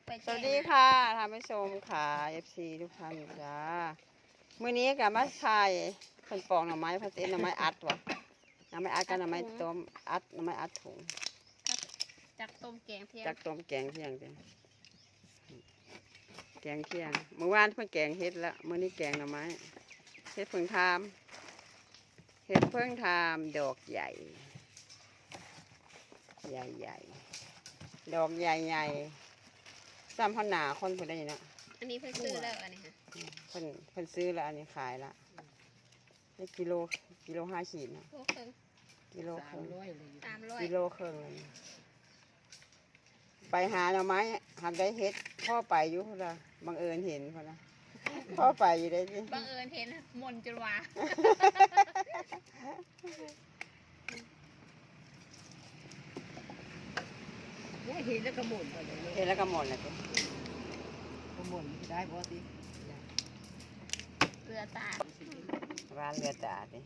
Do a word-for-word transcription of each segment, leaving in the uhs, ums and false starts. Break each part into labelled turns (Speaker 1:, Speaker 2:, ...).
Speaker 1: สวัสดีค่ะท่านผู้ชมค่ะ เอฟ ซี ทุกท่านจ้ามื้อนี้กับมาถ่ายเพิ่นปอกหน่อไม้เพิ่นเอ็นหน่อไม้อัดว่ะหน่อไม้อัดกับหน่อไม้ต้มอัดหน่อไม้อัดถุง
Speaker 2: จากต้มแกงเที่ยง
Speaker 1: จากต้มแกงเที่ยงจ้ะแกงเที่ยงเมื่อวานเพิ่นแกงเฮ็ดแล้วมื้อนี้แกงหน่อไม้เฮ็ดเพิ่งทามเฮ็ดเพิ่งทามดอกใหญ่ใหญ่ใหญ่ดอกใหญ่ใหญ่ซ้ำพหนาคนผู้ใดเนาะ
Speaker 2: อันนี้เพิ่งซื้อแล้วอันนี้ค่ะ
Speaker 1: เพิ่นเพิ่นซื้อแล้วอันนี้ขายละนี่กิโลกิโลห้าขีดนะ
Speaker 2: โลครึ่ง
Speaker 1: กิโลครึ่ง
Speaker 2: สามร้อย
Speaker 1: กิโลครึ่งเลยไปหาหน่อไม้หากได้เฮ็ดพ่อไปอยู่พุ่นละบังเอิญเห็นพุ่นละพ่อไปอยู่ได้สิ
Speaker 2: บังเอิญเห็นมนต์จุลวา
Speaker 3: เห็นแล้วก็หมุนไปเลย
Speaker 1: เห็นแล้วก็หมดเลยสิ
Speaker 3: ก็หมุนได้บ่ติ
Speaker 2: เรือตา
Speaker 1: ร้านเรือตาสิ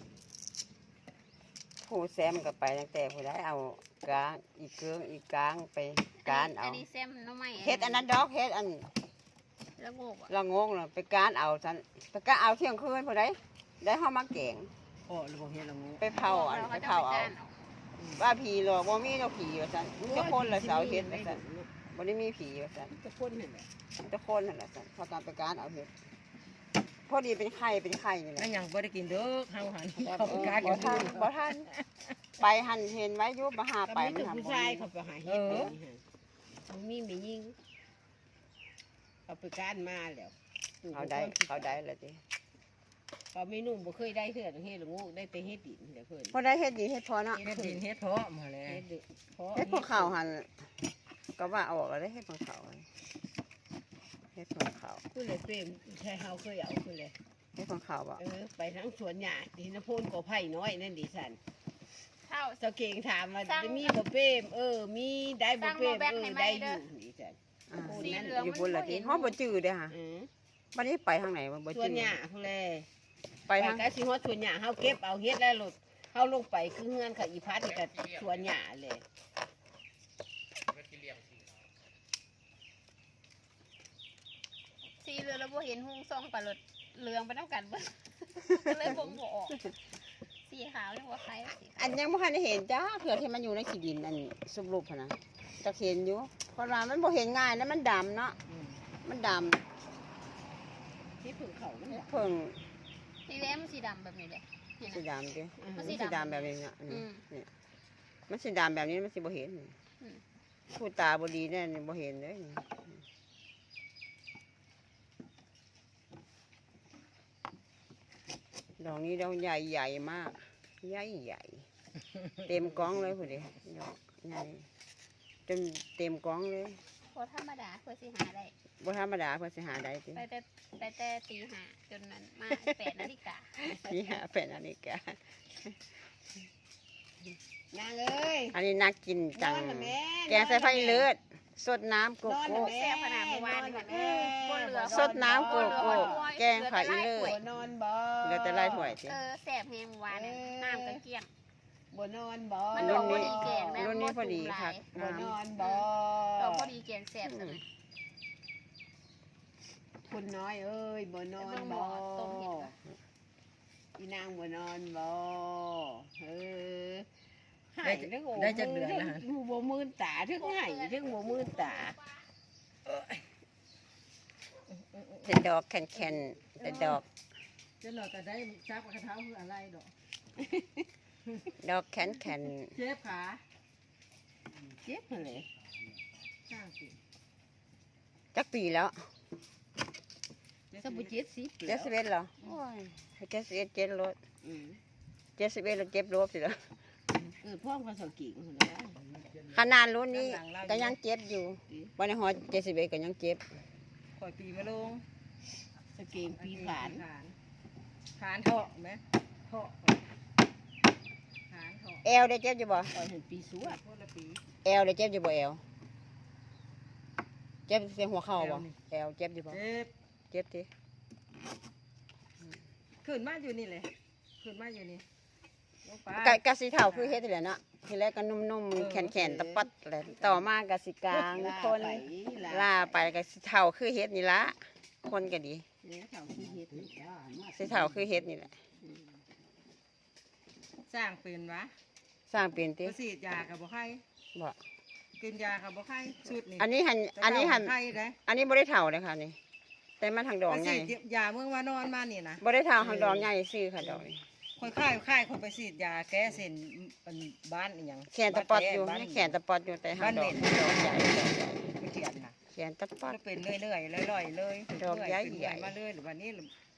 Speaker 1: ผู้แซมก็ไปตั้งแต่ผู้ใดเอากลางอีกเกืองอีกกลางไปการเอา
Speaker 2: อันนี้แซมน้องใหม่
Speaker 1: เฮ็ดอันนั้นดอกเฮ็ดอัน
Speaker 2: แล้วโงกอ่ะ
Speaker 1: ละงงเลยไปการเอาฉันไปการเอาเที่ยงคืนผู้ใดได้ห้ามาแกง
Speaker 3: โอ้ระบบเฮ็ดละงู
Speaker 1: ไปเผาอันไปเผาเอาว่าผีหรอกบ่มีดอกผีว่าซั่นมีแต่คนละเสาเฮ็ดว่าซั่นบ่ได้มีผีว่าซั่น
Speaker 3: จะพ่นนั่นแหละ
Speaker 1: มีแต่คนนั่นแหละซั่นพากันไปการเอาเฮ็ดพอดีเป็นไข่เป็นไข่นี่แห
Speaker 3: แล้ว
Speaker 1: ละ
Speaker 3: ยังบ่ได้กินเด้อเฮาหัน
Speaker 1: แต่
Speaker 3: เขาไปกา
Speaker 1: บ่ทันบ่ทันไปหันเห็นไว้อยู่บ่หาไป
Speaker 3: ไป
Speaker 1: มัน
Speaker 3: กับ
Speaker 1: หา
Speaker 3: ผู้
Speaker 1: บ่
Speaker 3: ชาย
Speaker 1: มี
Speaker 3: เขาไปหาเฮ็ดนี่ฮะมันมีไม่ยิงเขาไปการมาแล้ว
Speaker 1: เขาได้เขาได้แล้วติ
Speaker 3: เขาไม่นุ่มบ่เคยได้เทื่อเฮ็ดละงูได้แต่เฮ็ดดินเดี๋ยวเพิ่น
Speaker 1: พอได้เฮ็ดดีเฮ็ดพอเนาะ
Speaker 3: เฮ็ดดินเฮ็ดเพาะมาแล้วเฮ็ดเพาะ
Speaker 1: เฮ็ดพวกข้าวหันก็ว่าเอาออกแล้วได้เฮ็ดพวกข้าวเฮ็ดพวกข้าว
Speaker 3: คือเลยเปรมใช่เฮาเคยเอาคือเลย
Speaker 1: เฮ็ดพวกข้าวบ่
Speaker 3: เออไปทั้งสวนหญ้าดินโพนก็ไผ่น้อยนั่นดิสัน
Speaker 2: เท่า
Speaker 3: สเก่งถามว่าจะมีบ่เป้มเออ มีได้บ่เป้มเออได้อยู่นี่จ้ะ
Speaker 1: อ่าอยู่บนละติฮอดบ่จื้อเด้อค่ะ
Speaker 3: อือ
Speaker 1: บัดนี้ไปทางไหนบ่บ่
Speaker 3: ส่ว
Speaker 1: จื้
Speaker 3: น
Speaker 1: อ
Speaker 3: หญ้าพุ่นแล
Speaker 1: ไป
Speaker 3: ไป
Speaker 1: ทาง
Speaker 3: ก็สิฮอดส่วนหญ้าเฮาเก็บเอาเฮ็ดแล้วรถเฮาลงไปคือเฮือนเขาอีพัดนี่ก็สวนหญ้าเลย
Speaker 2: สีเรือแล้วบ่เห็นหุ้งซองปลาหลดเหลืองไปน้ำกันเบิ่ง ก็เลยบ่งบ่ออกสีขาวยังว่าใครสี
Speaker 1: อันยังบ่ทันได้เห็นจ้าเผื่อที่มันอยู่ในขี้ดินอันสุบรูปหั่นน่ะจะเห็นอยู่เพราะว่ามันบ่เห็นง่ายนะมันดำเนาะ
Speaker 3: อืม
Speaker 1: มันดำ
Speaker 3: ที่ผึ่งเขามันน่ะ
Speaker 1: เพิ่ง
Speaker 2: สีแดงมันสีดำแบบนี้เลยเห็น
Speaker 1: สี
Speaker 2: ไหม
Speaker 1: ดำดิ
Speaker 3: อือ
Speaker 1: มัน
Speaker 3: ฮึ
Speaker 1: สีดำแบบนี้เนี่ยอันนี้
Speaker 2: อืม
Speaker 1: เนี่ยมันสีดำแบบนี้มันสิบ่เห็น
Speaker 2: อืม
Speaker 1: ผู้ตาบ่ดีแน่นี่บ่เห็นเลยดอกนี้ดอกใหญ่ใหญ่มากใหญ่ใหญ่เต็มกล้องเลยพุ่นดิดอกใหญ่เต็มเต็มกล้องเลย
Speaker 2: พอธรรมดาเพื่อสิหาได้
Speaker 1: บ่ธรรมดาเพิ่นสิหาได้ติ
Speaker 2: ไปแต่ไปแต่ตีห้าจนนั้นมาแปดนาฬิกา
Speaker 1: นี่หาเป็นอันนี้แก
Speaker 3: นางเอ้ย
Speaker 1: อันนี้น่ากินจัง
Speaker 3: นอนน่ะแม่
Speaker 1: แกงใส่ไฟเลือดสดน้ำโก
Speaker 3: นอน
Speaker 1: โก้
Speaker 3: น่ะแม่
Speaker 2: แซ่บขนาดเมื่อวานนี่ค่ะบนเรือ
Speaker 1: สดน้ำโกโก้แกงไข่อีเลือ
Speaker 3: บ่
Speaker 1: ด
Speaker 3: นอนบ่
Speaker 1: เหลือแต่ไล่ถ้วยสิ
Speaker 2: เออแซ่บแฮงเมื่อวานเนี่ยน้ำก็เกลี้ยง
Speaker 3: บ่นอนบ่
Speaker 2: มัน
Speaker 1: รุ่
Speaker 2: ดอน กพ
Speaker 1: นี้
Speaker 2: อดีแกงนะ
Speaker 1: รุ่นนี้พอดีครับ
Speaker 3: บ่นอนบ่
Speaker 2: ดอกพอดีแกงแซ่บจังเลย
Speaker 3: คุณน้อยเอ้ยบ่นอนบ่อีนางบ่นอนบ่เออหายทั้งโอ้
Speaker 4: ได้จักเดือนแล้วฮะ
Speaker 3: ทั้งบ่มื่นตาทั้งหายทั้งบ่มื่นตา
Speaker 1: แต่ดอกแข็งๆแต่ดอก
Speaker 4: จะหลอกก็ได้จับกระเท้าคืออะไรดอก
Speaker 1: ดอกแข็ง
Speaker 4: เจ็บขา
Speaker 3: เจ็บหั่นแหละ
Speaker 4: ข้างสิ
Speaker 1: ๆจักปีแล้ว
Speaker 3: สบุเจ็ดสิบ
Speaker 1: เจ็ดสิบเอ็ดเหรอโอ้ยให้เจ็ดสิบเอ็ดเจ็ดรถ
Speaker 3: อืม
Speaker 1: เจ็ดสิบเอ็ดแล้วเจ็บรถสิเหรอ
Speaker 3: เออพ่อภาษากิ่งหั่นแหละ
Speaker 1: ขนาดรุ่นนี้ก็ยังเจ็บอยู่วันนี้ฮอดเจ็ดสิบเอ็ดก็ยังเจ็บ
Speaker 4: คอยปีมาลง
Speaker 3: สเกงปีขาน
Speaker 4: ขานขานเถาะไหมเถาะขานเถาะ
Speaker 1: แอวได้เจ็บอยู่บ่
Speaker 3: คอยเห็นปีสวด
Speaker 4: คนละปี
Speaker 1: แอวได้เจ็บอยู่บ่แอวเจ็บเสียหัวเข่าบ่แอวเจ็บอยู่บ่
Speaker 4: เจ็บ
Speaker 1: เจ็บติ
Speaker 4: ขึ้นมาอยู่นี่เลยขึ้นมาอยู่นี่ลงไป
Speaker 1: กะกะสีเทาคือเฮ็ดนี่แหละเนาะทีแรกก็นุ่มๆแข็งๆตะปัดแหละต่อมาก็สิกลางคน ล่าไปก็สิเฒ่าคือเฮ็ดนี่ละคนก็ดี
Speaker 3: เนี่ยเขาคือเฮ็ดนี่
Speaker 1: สิเฒ่าคือเฮ็ดนี่แหละ
Speaker 4: สร้างเป็นวะ
Speaker 1: สร้างเป็นติ
Speaker 4: บ่ฉีดยากับบ่ไข้
Speaker 1: บ่
Speaker 4: กินยากับบ่ไข้ชุดนี่
Speaker 1: อันนี้หันอันนี้หัน
Speaker 4: ไข้ได้
Speaker 1: อันนี้บ่ได้เฒ่าเลยค่ะนี่แต่มันทางดอก
Speaker 4: ไป
Speaker 1: ใหญ่
Speaker 4: ฉีดยาเมื่อวานอนมานี่นะ
Speaker 1: บ่ได้เฒ่าทางดอกใหญ่ซื่อค่ะดอกนี่
Speaker 4: คนไข้ไข้คนไปฉีดยาแก้เส้นมันบ้านอีหยัง
Speaker 1: แขนตะปอดอยู่
Speaker 4: บ้าน
Speaker 1: แขนตะปอดอยู่แต่ทางดอก
Speaker 4: บ้านเด่น
Speaker 1: ดอกใหญ่ดอกใหญ่
Speaker 4: ไปเขียนน่ะ
Speaker 1: แขนตะปอด
Speaker 4: ก็เป็นเรื่อยๆลอยๆเลย
Speaker 1: ดอกใหญ่
Speaker 4: เป็น
Speaker 1: ใหญ่
Speaker 4: มาเรื่อยหรือวันนี้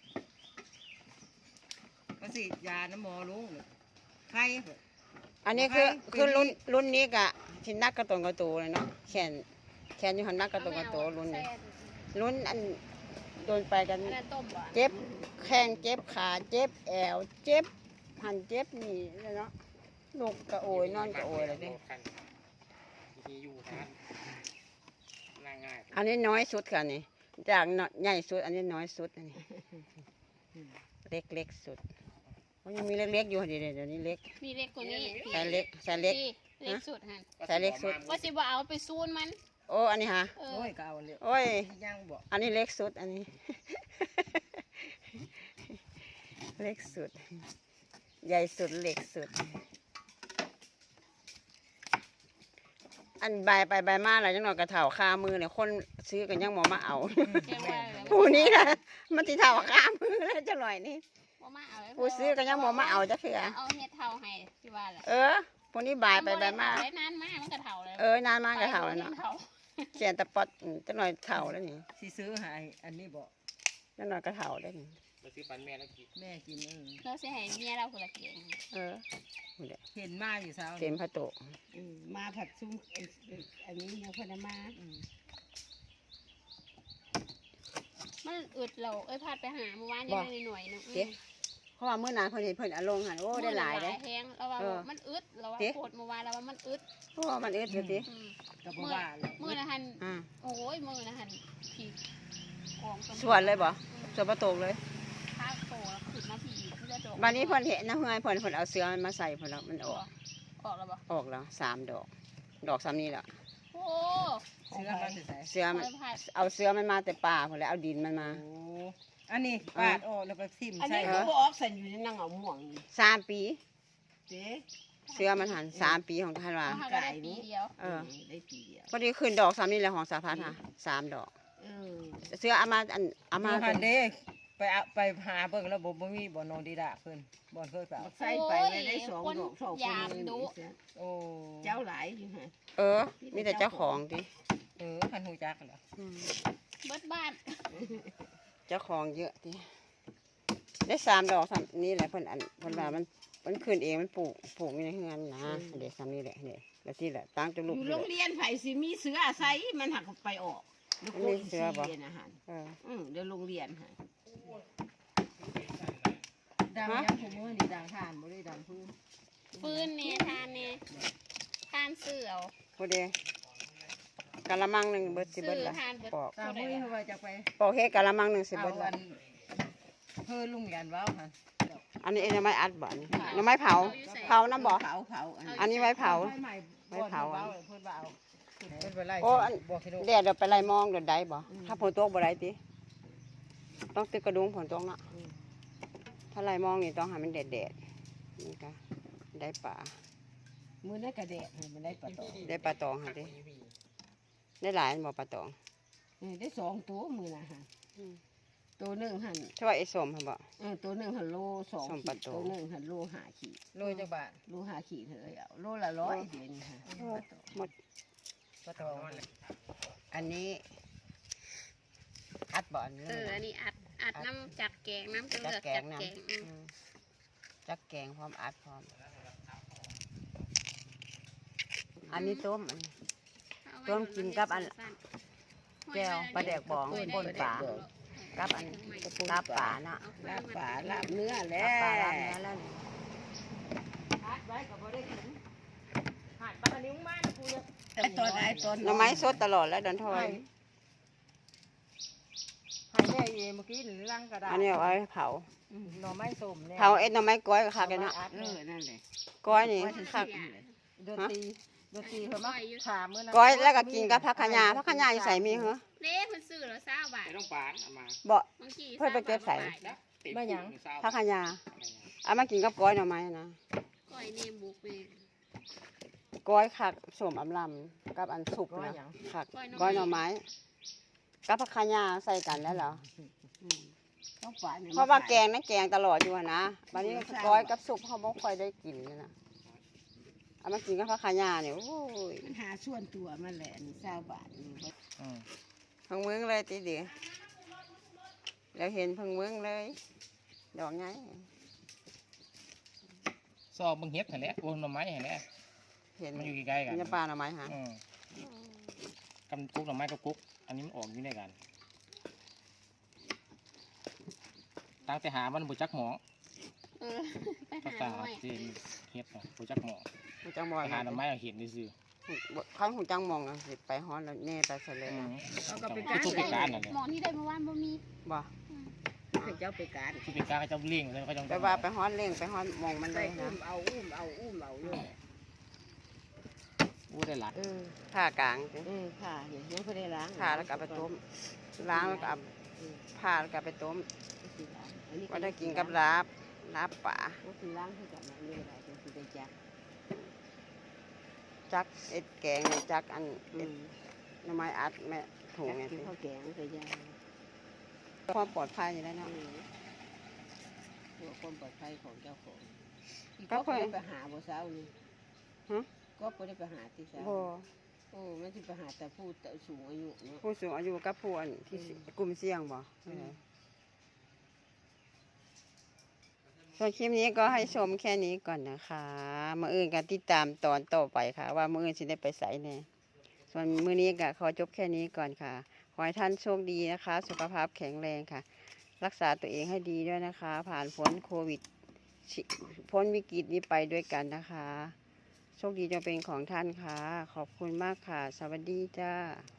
Speaker 4: มาฉีดยาน้ำหมอลุงไข้
Speaker 1: อันนี้คือ
Speaker 4: บ่ให้
Speaker 1: คือรุ่น
Speaker 4: ปีนี้
Speaker 1: รุ่นนี้ก็สินักกระตนกระตูเลยเนาะแขนแขนอยู่หันนักกระตนกระตูรุ่นนี้รุ่นอันโดนไปกัน
Speaker 2: แม่ต้มบ่
Speaker 1: เจ็บแข้งเจ็บขาเจ็บแอวเจ็บหันเจ็บนี่เลยเนาะลูกกะโอยนอนกะโอยเลยเด้
Speaker 5: มีอยู่ทานง่าย
Speaker 1: อันนี้น้อยสุดค่ะนี่จากน้อยใหญ่สุด อันนี้น้อยสุดอันนี้เล็กเล็กสุดมันยังมีเล็กๆอยู่เดี๋ยวเดี๋ยวนี้เล็ก
Speaker 2: มีเล็กกว่านี้
Speaker 1: ใส่เล็กใส่เล็ก
Speaker 2: พี่เล็กสุดหั่น
Speaker 5: ๆ
Speaker 1: ใส่เล็กสุด
Speaker 2: ว่าสิบ่เอาไปซูนมัน
Speaker 1: โอ้อันนี้ฮะ
Speaker 2: เออ
Speaker 4: โอ้ยก็เอาเลย
Speaker 1: โอ้ย
Speaker 4: ย่างบอก
Speaker 1: อันนี้เล็กสุดอันนี้ เล็กสุด ใหญ่สุดเล็กสุด อันใบไปใบมาอะไรจังหน่อยกระเถาคามือเนี่ยคนซื้อกันยังหมอมาเอา
Speaker 2: แจ้งว่าแล้ว
Speaker 1: ผู้นี้นะมันติเถาคามือแล้วจังหน่อยนี่
Speaker 2: บ่มาเอาแล้ว
Speaker 1: ผู้ซื้อกันยังหมอมาเอาจะเถื่อ
Speaker 2: เอาเฮ็ดเท่าให้ที่ว่าแหละ
Speaker 1: เออพวกนี้บายไปใบมา
Speaker 2: ได้นานมากมันก็เท่าแล้ว
Speaker 1: เออนานมากกระเถาแล้วเนาะ
Speaker 2: เท่า
Speaker 1: เขียนตะปอดอืมจังหน่อยเถาแล้วนี่
Speaker 4: สิซื้อใหายอันนี้บอก
Speaker 1: จังหน่อยกระเถาแล้วนี่
Speaker 5: ไปซื้อปันแม่แล้วกิน
Speaker 4: แม่กินเออ
Speaker 2: เราสิให้เมียเราคนละเกียง
Speaker 1: เออนี่แหละ
Speaker 4: เห็นมาอยู่เช้า
Speaker 1: เต็มพระโตะ
Speaker 3: อืมมาผัดซุ้มเอ่อเอ่ออันนี้นะเพิ่นเอามา
Speaker 4: อืม
Speaker 2: มันอึดเราเอ้ยพาดไปหาเมื่อวานยังได้หน่อยๆนึง
Speaker 1: เจ๊เพราะว่าเมื่อนานเพิ่นเห็นเพิ่นเอาลงหันโอ้ได้หลายได้
Speaker 2: แฮงแล้วว่า
Speaker 1: เออ
Speaker 2: มันอึดเราว่า
Speaker 1: เจ๊
Speaker 2: โคตรเมื่อวานเราว่ามันอึด
Speaker 1: เพราะว่ามันเอ็ดอยู่ติ
Speaker 2: อืม
Speaker 4: ก็บ่ว่าเลย
Speaker 2: มือนะหัน
Speaker 1: อ่า
Speaker 2: โอ้ยมือนะหันผีกอง
Speaker 1: สวนเลยบ่สวนประตูเลย
Speaker 2: ข้าวโตแล้วขึ้นมาผีเพื่อดอก
Speaker 1: บัดนี้เพิ่นเห็นนะเฮือนเพิ่นเพิ่นเอาเสือมันมาใส่เพิ่นแล้วมันออก
Speaker 2: ออกแล้วบ่
Speaker 1: ออกแล้วสามดอก ดอกซ้ำนี้แหละ
Speaker 2: โอ้
Speaker 4: เสื้อมาสิใส่
Speaker 1: เสือมัน
Speaker 2: ไม่พลาด
Speaker 1: เอาเสือมันมาแต่ป่าเพิ่นแล้วเอาดินมันมา
Speaker 4: โอ้อันนี้ปาดออกแล้วไปทิ่ม
Speaker 3: อัน
Speaker 4: ใส่
Speaker 3: นี้คือบ่ออกใส่อยู่ในนังเอาม่วงนี่
Speaker 1: สามปี
Speaker 3: เจ๊
Speaker 1: เสือมันหันสามปีของท่านว่า
Speaker 2: เอาก็ได้ปีเดียว
Speaker 1: เออ
Speaker 3: ได้ปีเดียว
Speaker 1: พอดีขึ้นดอกซ้ำนี้แหละของสาพัฒน์ค่ะสามดอก
Speaker 3: เออ
Speaker 1: เสือเอามาอันเอา
Speaker 4: มา
Speaker 1: มา
Speaker 4: หันเด้ไปเอาไปหาเบิ่งแล้วบ่บ่มีบ่นอนดีดาเพิ่นบ่เคยไปเอา
Speaker 3: บักใส่ไปเลยได้สองดอกสองคนเลยนี่เสีย
Speaker 4: โอ้
Speaker 3: เจ้าหลายอยู่ฮะ
Speaker 1: เออ มีแต่เจ้าของติ
Speaker 4: เออคันหูจักเหรอ
Speaker 1: อืม
Speaker 2: เบิดบ้าน
Speaker 1: เจ้าของเยอะติได้สามดอกซ้ำนี้แหละเพิ่นอันเพิ่นว่ามันมันขึ้นเองมันปลูกปลูกอยู่ในเฮือนนะเด็กซ้ำนี้แหละเด็กแล้วที่แหละตั้งจ
Speaker 3: อ
Speaker 1: ลูก
Speaker 3: ยู่
Speaker 1: เล
Speaker 3: โรง
Speaker 1: ย
Speaker 3: เรียนไผสิมีเสืออาศัยมันหักไปออกลูกโป่งสีเรียนอาหาร
Speaker 1: เออ
Speaker 3: อืมเดี๋ยวโรงเรียนฮะ
Speaker 4: ดังยังผมว่านี่ดังทานบ่ได้ดังพื้น
Speaker 2: ฟืนเนี่ยทานเนี่ยทานเสือเอา
Speaker 1: พอดีกะละมังหนึ่งเบิดสิ
Speaker 2: ซื้
Speaker 1: เบิด
Speaker 2: อ
Speaker 1: ละ
Speaker 2: ทานเบิด
Speaker 1: ปอก
Speaker 4: ตามมือเขาว่าจะไป
Speaker 1: ปอกเฮ็ดกะละมังหนึ่งสิ
Speaker 4: เอา
Speaker 1: เบิด
Speaker 4: อั
Speaker 1: ละ
Speaker 4: นเพิ่นลุงยันว้าวหั่น
Speaker 1: อันนี้เอ็นน้ำไม้อัดบ่อันนี้น้ำไม้เผาเผาน้ำบ่
Speaker 3: เผาเผาอัน
Speaker 1: อันนี้ไว้เผา
Speaker 4: ไม้ใหม่
Speaker 1: ไว้เผา
Speaker 4: เพิ่นว้เพิ่นว่าเอาเพิ่นไปไล่
Speaker 1: โอ้อัน
Speaker 4: บอกให้ดู
Speaker 1: แดดเดี๋ยวไปไล่มองเดี๋ยวได้บ่ถ้าฝนตกบ่ได้ติต้องตึกกระดุงฝนตกเนาะถ้าไล่มองนี่ต้องให้มันแดดแดดๆนี่ก็ได้ปลา
Speaker 3: มือได้กระเดะมันได้ปลาตอง
Speaker 1: ได้ปลาตองค่ะดิได้หลายอันบ่ปลาตอง
Speaker 3: เออได้สองตัวมือนะฮะ
Speaker 1: อืม
Speaker 3: ตัวหนึ่งหัน
Speaker 1: ถ้าว่าไอ้สมค่ะบ่
Speaker 3: เออตัวหนึ่งหันโลสอง
Speaker 1: สอง
Speaker 3: ขี
Speaker 1: ปลา
Speaker 3: ด
Speaker 1: โต
Speaker 3: ตัวหนึ่งหันโลห้าขีด
Speaker 4: โรยจักบาท
Speaker 3: โลห้าขีดเถอะเอาโลละร้อยเดี๋ยวนี้ฮะ
Speaker 1: หมด
Speaker 4: ปลาตอง
Speaker 1: อันนี้อัดบ่อันนี้
Speaker 2: เอออันนี้อัดอัดน้ำจักแกงน้ำจะ
Speaker 1: จั
Speaker 2: เลื
Speaker 1: ก
Speaker 2: อก
Speaker 1: แก
Speaker 2: จั
Speaker 1: ง
Speaker 2: ก
Speaker 1: น้
Speaker 2: แกงอืม
Speaker 1: ำอืมจักแกงพร้อมอัดพร้อม อันนี้ต้มอันนี้ ต้มกินกับอันแก้วปลาแดกบองป่นปลา กับอันลาบป่าเนาะ
Speaker 3: ลาบป่าลาบเนื้อแล้
Speaker 1: ลาบป่าว ลาบเนื้อแล้วนี่
Speaker 3: ไอ้ตอนไอ้ตอน
Speaker 1: หน่อไม้สดตลอดแล้วดอนทอย
Speaker 4: ให้แม่เองเมื่อกี้หรือลังกระดาษ
Speaker 1: อันนี้เอาไว้เผา
Speaker 4: หน่อไม้ส้มเนี่ย
Speaker 1: เผาเอ็ดหน่อไม้ก้อยก็คักกันเนาะ
Speaker 3: เออนั่นแหละ
Speaker 1: ก้อยนี่คัก
Speaker 4: ดนตรีดนตรีเพิ่นมาถามมื้อนั้น
Speaker 1: ก้อยแล้วก็กินกับผักขะยาผักขะยาอยู่ใส่มีเหรอ
Speaker 2: เด้เพิ่นซื้อแล้วเศร้าบาท
Speaker 5: ไม่ต้องปานเอามา
Speaker 1: บ่
Speaker 2: บางที
Speaker 1: เพิ่นไปเก็บใส่
Speaker 5: นะติด
Speaker 3: มาหยัง
Speaker 5: เศร้า
Speaker 1: ผักขะยาเอามากินกับก้อยหน่อไม้นะ
Speaker 2: ก้อยเนมบุกนี่
Speaker 1: ก้อยคักสมอำลำกับอันสุก
Speaker 3: ก้อย
Speaker 1: นะ
Speaker 3: หยัง
Speaker 1: คักก้อยหน่อไม้กับผักขะยาใส่กันแล้วเหรอ
Speaker 3: ต้องฝ่ายนี่
Speaker 1: เพราะว่าแกงนั่นแกงตลอดอยู่อะนะวันนี้ก้อยกับสุกเขาบ่ค่อยได้กินนี่นะเอามากินกับผักขะยาเนี่ยโอ้ย
Speaker 3: มันหาส่วนตัวมันแหละนี่เศร้าบาทนี่บ่
Speaker 5: อืม
Speaker 1: เพิ่งมึงเลยตีเดียวแล้วเห็นเพิ่งมึงเลยดอกไง
Speaker 5: ซอบมึงเฮ็ดเห็นแหละโอ้หน่อไม้เห็นแหละ
Speaker 1: เห็น
Speaker 5: มันอยู่ใกล้ๆกัน
Speaker 1: มันจะปลาหน่อไม้ฮะ
Speaker 5: อืมกำกุ๊กหน่อไม้กับกุ๊กอันนี้มันออกอยู่ในกันตั้งแต่หามันบุจักหมอ
Speaker 2: เออไป
Speaker 5: ภา
Speaker 2: หา
Speaker 5: ษา
Speaker 2: หน่อย
Speaker 5: จีนเฮ็ดน่ะบุจักหมอ
Speaker 1: หูจังม
Speaker 5: ไป
Speaker 1: อง
Speaker 5: หาหน่อไม้เอาเห็นได้ซื้อ
Speaker 1: ข้างหูจังมองอะสิไปฮ้อนแล้วแน่ไปเสร็จเลย
Speaker 5: อื
Speaker 1: นะ
Speaker 5: ม
Speaker 3: เอาก็ไป
Speaker 5: ก็
Speaker 3: การ
Speaker 5: ทุกปีการนั่นแหละ
Speaker 2: หมอที่ได้เมื่อวานบ่มี
Speaker 1: บ่
Speaker 3: ให้เจ้าไปการ
Speaker 5: ทุกปีการเขาจะเลี้ยงเลยเขาจะ
Speaker 1: ไปว่าไปฮ้อนเล่งไปฮ้อนมองมัน
Speaker 3: ไป
Speaker 1: เลย
Speaker 3: อุ้
Speaker 1: นะ
Speaker 3: มเอาอุ้มเอาอุ้มเอาอยู่
Speaker 5: อู้ได้หลาย
Speaker 3: เออ
Speaker 1: ผ่ากลางสิ
Speaker 3: เออค่ะเดี๋ยวยังบ่ได้ล้าง
Speaker 1: ผ่าแล้วก็เอาไปต้มล้างแล้วก็เอาผ่าแล้วก็เอาไปต้ม
Speaker 3: อันนี้
Speaker 1: ก็ได้กินกับลาบลาบป่า
Speaker 3: ก็คือล้างให้กับมันนี่แหละจังสิได้จัก
Speaker 1: จักเอ็ดแกงเนี่ยจักอัน
Speaker 3: อื
Speaker 1: เอ็ด
Speaker 3: ม
Speaker 1: หน่อไม้อัดแม่ถุง
Speaker 3: จัก
Speaker 1: ไง
Speaker 3: กิน
Speaker 1: สิ
Speaker 3: ข้าวแกงก็ยา
Speaker 1: ความปลอดภัยอยู่แล้ว
Speaker 3: เนาะ
Speaker 1: เนาะ
Speaker 3: เพื่อความปลอดภัยของเจ้าของ
Speaker 1: ก็
Speaker 3: ก็
Speaker 1: ค่อย
Speaker 3: ได้ไปหาบ่เช้านี่
Speaker 1: ฮะ
Speaker 3: ก็บ่ได้ไปหาที่เช้า
Speaker 1: บ่
Speaker 3: โอ้มันสิไปหาแต่ผู้แต่สูงอายุเนาะ
Speaker 1: ผู้สูงอายุกับผู้อันที่สิกลุ่มเสี่ยงบ่
Speaker 3: อืม
Speaker 1: ส่วนคลิปนี้ก็ให้ชมแค่นี้ก่อนนะคะมื้ออื่นก็ติดตามตอนต่อไปค่ะ ว่ามื้ออื่นสิได้ไปไสแน่ส่วนมื้อนี้ก็ขอจบแค่นี้ก่อนค่ะ ขอให้ท่านโชคดีนะคะ สุขภาพแข็งแรงค่ะ รักษาตัวเองให้ดีด้วยนะคะ ผ่านพ้นโควิดชิพ้นวิกฤตนี้ไปด้วยกันนะคะ โชคดีจะเป็นของท่านค่ะ ขอบคุณมากค่ะ สวัสดีจ้า